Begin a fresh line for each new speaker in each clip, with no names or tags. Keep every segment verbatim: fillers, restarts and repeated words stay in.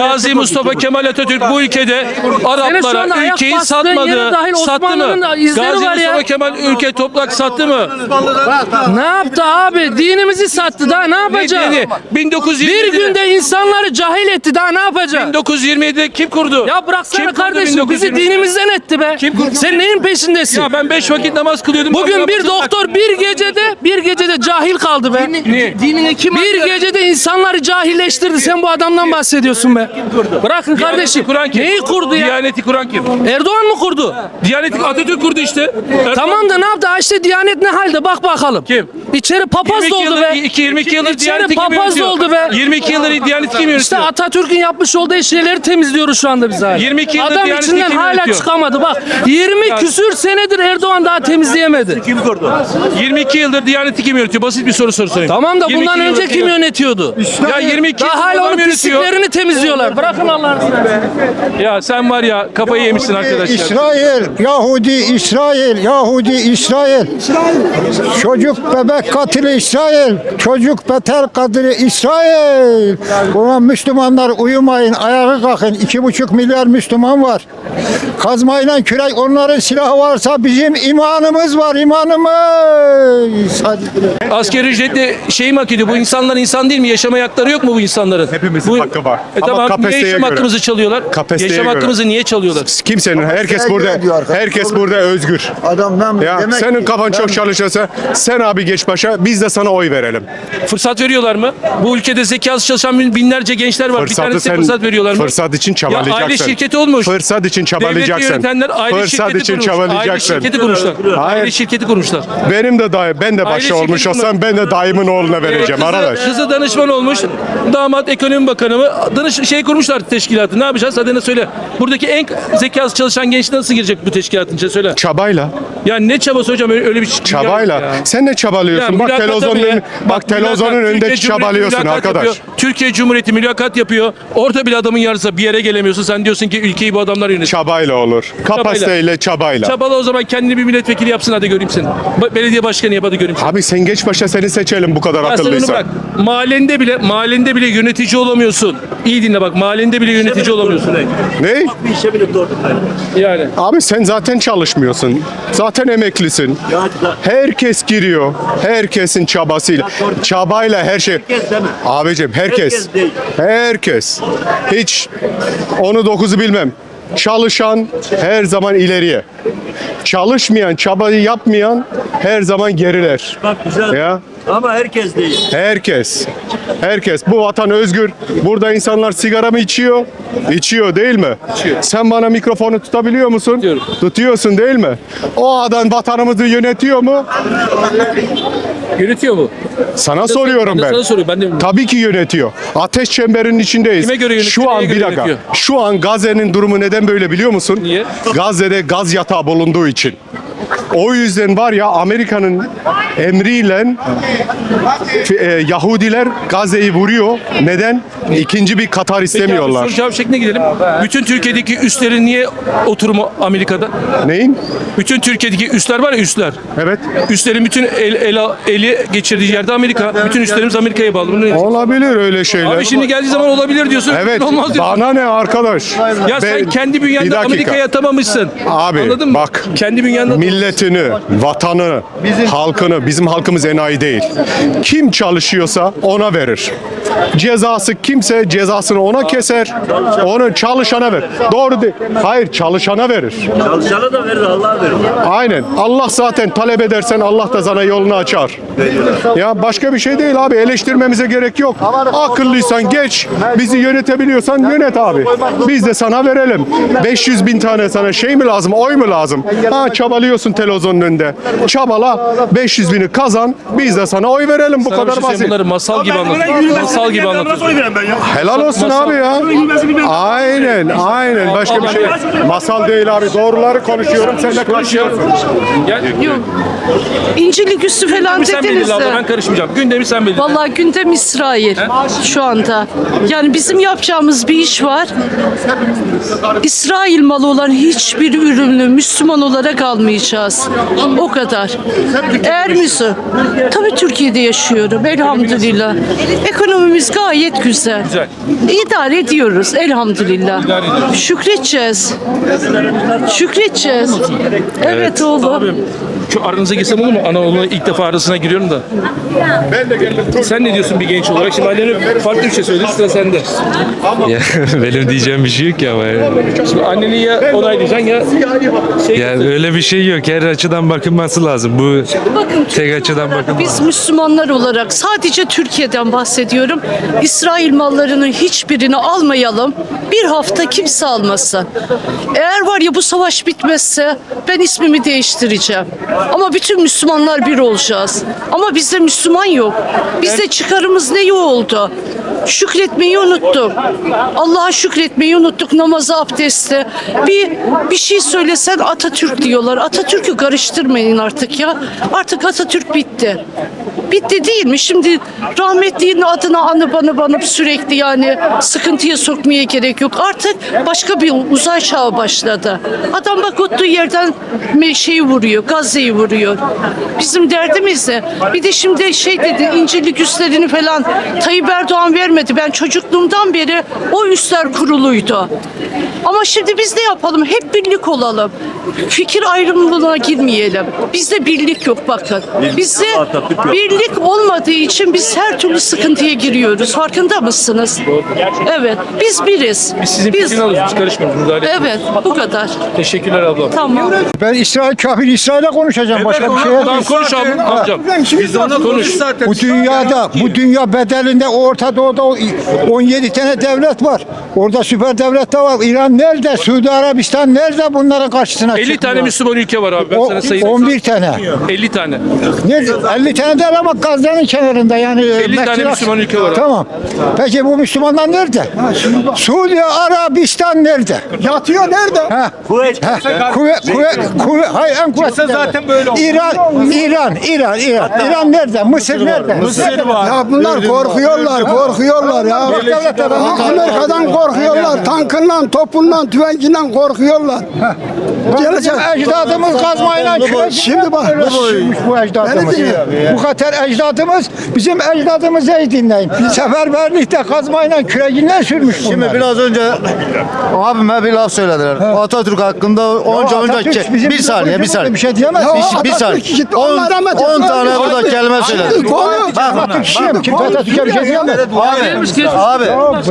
Gazi Mustafa Kemal Atatürk bu ülkede Araplara ülkeyi satmadı. Sattı mı? Gazi Mustafa Kemal ülke toprak sattı mı?
Ne yaptı abi? Dinimizi sattı. Daha ne yapacak?
Ne, bin dokuz yüz yirmi
Bir günde insanları cahil etti. Daha ne yapacak?
bin dokuz yüz yirmi yedide kim kurdu?
Ya bıraksana
Kim kurdu
kardeşim.
bin dokuz yüz
Bizi
yirmi?
dinimizden etti be.
Kim kurdu?
Sen neyin peşindesin?
Ya ben beş vakit namaz kılıyordum.
Bugün bir doktor bir gecede bir gecede cahil kaldı be.
Niye?
Dinini kim Bir gecede insanları cahilleştirdi. Sen bu adamdan bahsediyorsun be. Bırakın kardeşim.
Kur'an kim?
Neyi kurdu ya?
Diyaneti kuran kim?
Erdoğan mı kurdu?
Diyaneti Atatürk kurdu işte. Erdoğan-
Tamam da ne yaptı? Ha işte Diyanet ne halde? Bak bakalım.
Kim?
İçeri papaz
yirmi iki
doldu
yıldır,
be.
iki- yirmi iki yıldır
İçeri
Diyaneti kim
papaz
yönetiyor?
doldu be.
yirmi iki yıldır Diyaneti kim yönetiyor?
İşte Atatürk'ün yapmış olduğu şeyleri temizliyoruz şu anda biz hala.
yirmi iki yıldır
Adam
Diyaneti
içinden
kim
hala
yönetiyor?
çıkamadı. Bak yirmi küsür senedir Erdoğan daha temizleyemedi.
yirmi iki yıldır Diyaneti kim yönetiyor? Basit bir soru soru sorayım.
Tamam da
yirmi iki
bundan
yıldır
önce kim yönetiyordu?
Ya yirmi iki
Daha
yıldır
hala
adam
onun
yönetiyor.
pisliklerini temizliyorlar. Bırakın Allah'ını seversen.
Ya sen var ya kafayı yemişsin arkadaşlar.
İsrail, Yahudi, İsrail, Yahudi, İsrail. Çocuk bebek katili İsrail. Çocuk beter katili İsrail. Ulan Müslümanlar uyumayın, ayağa kalkın. İki buçuk milyar Müslüman var. Kazmayla kürek onların silahı varsa bizim imanımız var, imanımız. Hadi.
Asgari ücretle şey mi hak ediyor? Bu insanlar insan değil mi? Yaşama hakları yok mu bu insanların?
Hepimizin
bu,
hakkı var.
E
Ama
tamam, niye
kapasiteye
yaşam
göre.
hakkımızı çalıyorlar?
Kapasiteye
Yaşam
göre.
hakkımızı niye çalıyorlar?
Kimsenin, herkes burada, herkes burada özgür.
Adamdan
Ya
demek
senin
ki-
kafan çok çalışırsa sen abi geç başa, biz de sana oy verelim.
Fırsat veriyorlar mı? Bu ülkede zekası çalışan bin- binlerce gençler var. bir
Fırsatı
tanesi
sen
fırsat veriyorlar mı?
fırsat için çabalayacaksın.
Ya aile şirketi olmuş.
Fırsat için
Devleti
çabalayacaksın.
yönetenler aile
Fırsat
şirketi
için
kurmuş. Aile
çabalayacaksın.
şirketi kurmuşlar.
Hayır.
Aile şirketi kurmuşlar.
Benim de dayı, ben de
Aile
başta olmuş
şirketi
olsam ben de dayımın oğluna vereceğim
Kızı-
arkadaş.
Kızı danışman olmuş. Damat ekonomi bakanı mı? Danış şey kurmuşlar teşkilatı. Ne yapacağız? Hadi ne söyle. Buradaki en zekası çalışan genç nasıl girecek bu teşkilatın içine söyle.
Çabayla.
Ya ne çabası hocam öyle, öyle bir şey.
Çabayla.
Ya.
Sen ne çabalıyorsun?
Ya
bak
mülakata
televizyonun
bile-
ön- bak televizyonun
mülakat,
önünde
Türkiye Cumhuriyeti
çabalıyorsun
mülakat
arkadaş.
yapıyor. Türkiye Cumhuriyeti mülakat yapıyor. Orada bile adamın yarısı bir yere gelemiyorsun. Sen diyorsun ki ülkeyi bu adamlar yönetiyor.
Çabayla olur. Kapasiteyle çabayla.
Çabala o zaman kendini bir milletvekili yapsın hadi göreyim seni. Ba- Belediye başkanı yap hadi göreyim seni.
Abi sen geç başa seni seçelim bu kadar
Ya sen onu
akıllıysan.
bırak. Mahallende bile mahallende bile yönetici olamıyorsun. İyi dinle bak. Mahallende bile yönetici olamıyorsun.
Ne?
Yani.
Abi sen zaten çalışmıyorsun. Zaten emeklisin. Herkes giriyor. Herkesin çabasıyla. Çabayla her şey. Abicim herkes. Herkes. Hiç onu dokuzu bilmem. Çalışan her zaman ileriye. Çalışmayan, çabayı yapmayan her zaman geriler.
Bak güzel.
Ya.
Ama herkes değil.
Herkes. Herkes. Bu vatan özgür. Burada insanlar sigara mı içiyor? İçiyor değil mi?
İçiyor.
Sen bana mikrofonu tutabiliyor musun?
Tutuyorum.
Tutuyorsun değil mi? O adam vatanımızı yönetiyor mu?
Yönetiyor mu?
Sana soruyorum
Ben de
ben.
sana soruyorum. Ben de bilmiyorum.
Tabii ki yönetiyor. Ateş çemberinin içindeyiz.
Kime göre yönetiyor,
Şu an
neye
bir
göre
dakika.
yönetiyor?
Şu an Gazze'nin durumu neden böyle biliyor musun?
Niye?
Gazze'de gaz yatağı bulunduğu için. O yüzden var ya Amerika'nın emriyle e, Yahudiler Gazze'yi vuruyor. Neden? İkinci bir Katar
Peki abi,
istemiyorlar.
soru cevap şekline gidelim. Bütün Türkiye'deki üslerin niye oturumu Amerika'da?
Neyin?
Bütün Türkiye'deki üsler var ya üsler.
Evet.
Üslerin bütün el, el, eli geçirdiği yerde Amerika. Bütün üslerimiz Amerika'ya bağlı. Bunu ne-
Olabilir öyle şeyler.
Abi şimdi geldiği zaman olabilir diyorsun.
Evet.
Olmaz diyorsun.
Bana ne arkadaş?
Ya sen
Ben-
kendi
Bir
bünyende
dakika.
Amerika'ya atamamışsın.
Abi,
Anladın mı?
bak.
Kendi bünyende
Milletini, vatanı, halkını, bizim halkımız enayi değil. Kim çalışıyorsa ona verir. Cezası kimse cezasını ona keser. Onu çalışana ver. Doğru değil. Hayır, çalışana verir.
Çalışana da verir, Allah'a verir.
Aynen. Allah zaten talep edersen Allah da sana yolunu açar. Ya başka bir şey değil abi. Eleştirmemize gerek yok. Akıllıysan geç. Bizi yönetebiliyorsan yönet abi. Biz de sana verelim. beş yüz bin tane sana şey mi lazım? Oy mu lazım? Ha çabalıyorsun televizyonun önünde. Çabala. beş yüz bini kazan. Biz de sana oy verelim. Bu
Sana bir
kadar
şey söyleyeyim,
basit.
bunları masal gibi anlatıyorsun. Masal gibi anlatıyorsun.
Helal olsun
Masal.
abi ya. Aynen, aynen. Başka bir şey. Masal değil abi. Doğruları konuşuyorum. Sen de konuşuyorsun.
Gel.
İncirlik üstü falan
Sen
dediniz
belirle abla, ben
de.
karışmayacağım. Gündemi sen belirle.
Vallahi gündem İsrail şu anda. Yani bizim yapacağımız bir iş var. İsrail malı olan hiçbir ürünü Müslüman olarak almayacağız. yapacağız. O kadar. Eğer Müslüman, tabii Türkiye'de yaşıyorum elhamdülillah. Ekonomimiz gayet güzel.
Güzel.
İdare ediyoruz elhamdülillah.
İdare ediyoruz.
Şükredeceğiz. Şükredeceğiz. Evet oğlum.
Abim şu aranıza girsem olur mu? Anaoğluna ilk defa arasına giriyorum da.
Ben de geldim.
Sen ne diyorsun bir genç olarak? Şimdi annene farklı bir şey söyledi. Sıra sende.
Ya, benim diyeceğim bir şey yok ki ama. Yani.
Şimdi anneni ya onaylayacaksın ya şey
Yani öyle bir şey yok. Her açıdan bakılması lazım. Bu
Bakın
tek açıdan bakılmaz.
biz Müslümanlar olarak sadece Türkiye'den bahsediyorum. İsrail mallarının hiçbirini almayalım. Bir hafta kimse almasın. Eğer var ya bu savaş bitmezse ben ismimi değiştireceğim. Ama bütün Müslümanlar bir olacağız. Ama bizde Müslüman yok. Bizde çıkarımız ne oldu? Şükretmeyi unuttuk. Allah'a şükretmeyi unuttuk. Namazı, abdesti. Bir bir şey söylesen Atatürk diyorlar. Atatürk'ü karıştırmayın artık ya. Artık Atatürk bitti. Bitti değil mi? Şimdi rahmetliğin adına anıp anıp anıp sürekli yani sıkıntıya sokmaya gerek yok. Artık başka bir uzay çağı başladı. Adam bak oturduğu yerden şeyi vuruyor, Gazze'yi vuruyor. Bizim derdimiz ne? Bir de şimdi şey dedi, İncirlik üslerini falan Tayyip Erdoğan vermedi. Ben çocukluğumdan beri o üsler kuruluydu. Ama şimdi biz ne yapalım? Hep birlik olalım. Fikir ayrımlılığına girmeyelim. Bizde birlik yok bakın. Bizde birlik olmadığı için biz her türlü sıkıntıya giriyoruz. Farkında mısınız? Evet. Biz biriz.
biz sizin fikrini alıyoruz. Biz karışmıyoruz. Müdahale etmiyoruz.
Evet. Bu kadar.
Teşekkürler ablam.
Tamam.
Ben İsrail kafir İsrail'e konuşacağım. Başka bir şey yok.
Tamam konuş abim, amcam.
Biz de ona konuş zaten.
Bu dünyada, bu dünya bedelinde Orta Doğu'da on yedi tane devlet var. Orada süper devlet de var. İran nerede? Suudi Arabistan nerede bunların karşısına
elli tane
çıkmıyor?
Müslüman ülke var abi. Ben
O-
sana sayayım.
on bir tane.
elli tane.
Nerede? elli tane değil ama Gazze'nin kenarında yani.
elli tane
Mekke'nin-
Müslüman ülke var.
Tamam. Peki bu Müslümanlar nerede? Suudi Arabistan nerede?
Yatıyor nerede?
Ha.
Kuveyt.
Ha, kuvvet, kuvvet, kuvvet, hayır en kuvvetli zaten böyle oldu. İran, İran, İran, İran. İran nerede? Mısır nerede? Mısır var.
Ya bunlar korkuyorlar, korkuyorlar ya. Amerika'dan korkuyorlar, tankından, topundan, tüfeğinden korkuyorlar. Gelecek.
Bizim ecdadımız kazmayla kürek.
Şimdi bak,
Öyle sürmüş bu ecdadımız.
Beni dinle.
Bu kadar ecdadımız, bizim ecdadımızı iyi dinleyin. Seferberlikte kazmayla küreğinden sürmüş bunlar.
Şimdi biraz önce abime bir laf söylediler. Atatürk hakkında onca onca
Atatürk
ke-
bizim
bir saniye bir saniye.
Bir şey diyemez.
Ya
Bir, bir
Atatürk
saniye.
gitti,
on
Allah rahmet eylesin.
tane burada
Abi,
kelime
şimdi
söyledi.
konu-
Atatürk kim? Kim Atatürk'e bir şey diyemez.
Abi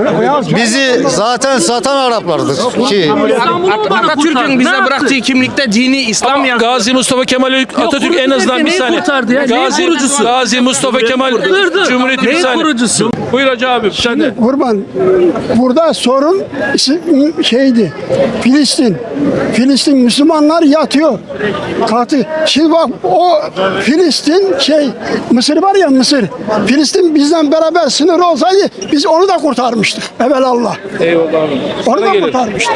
bizi zaten satan Araplardır ki
Atatürk'ün bize bıraktığı kimlikte dini İslam
Ama
yazıyor.
Gazi Mustafa Kemal Atatürk en azından bir
neyi
saniye.
kurtardı ya? Neyi
Gazi,
kurucusu?
Gazi Mustafa Kemal
Dur, dur.
Cumhuriyeti bir
Neyin
saniye.
kurucusu?
Buyur Hacı abi sen de.
Kurban, burada sorun şeydi, Filistin. Filistin Müslümanlar yatıyor. Katı. Şimdi bak o Filistin şey, Mısır var ya Mısır. Filistin bizden beraber sınır olsaydı biz onu da kurtarmıştık. Evelallah.
Eyvallah abi.
Onu
Sana
da
gelelim.
kurtarmıştık.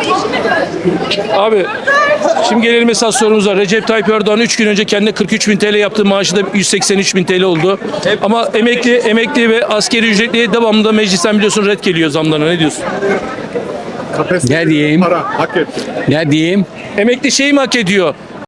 Abi şimdi gelelim esas sorumuza. Recep Tayyip Erdoğan üç gün önce kendine kırk üç bin T L yaptığı maaşı da yüz seksen üç bin T L oldu. Ama emekli emekli ve askeri ücretliye devamlı meclisten biliyorsun red geliyor zamlarına. Ne diyorsun?
Ne diyeyim?
Para hak etti.
Ne diyeyim?
Emekli şeyi mi hak ediyor?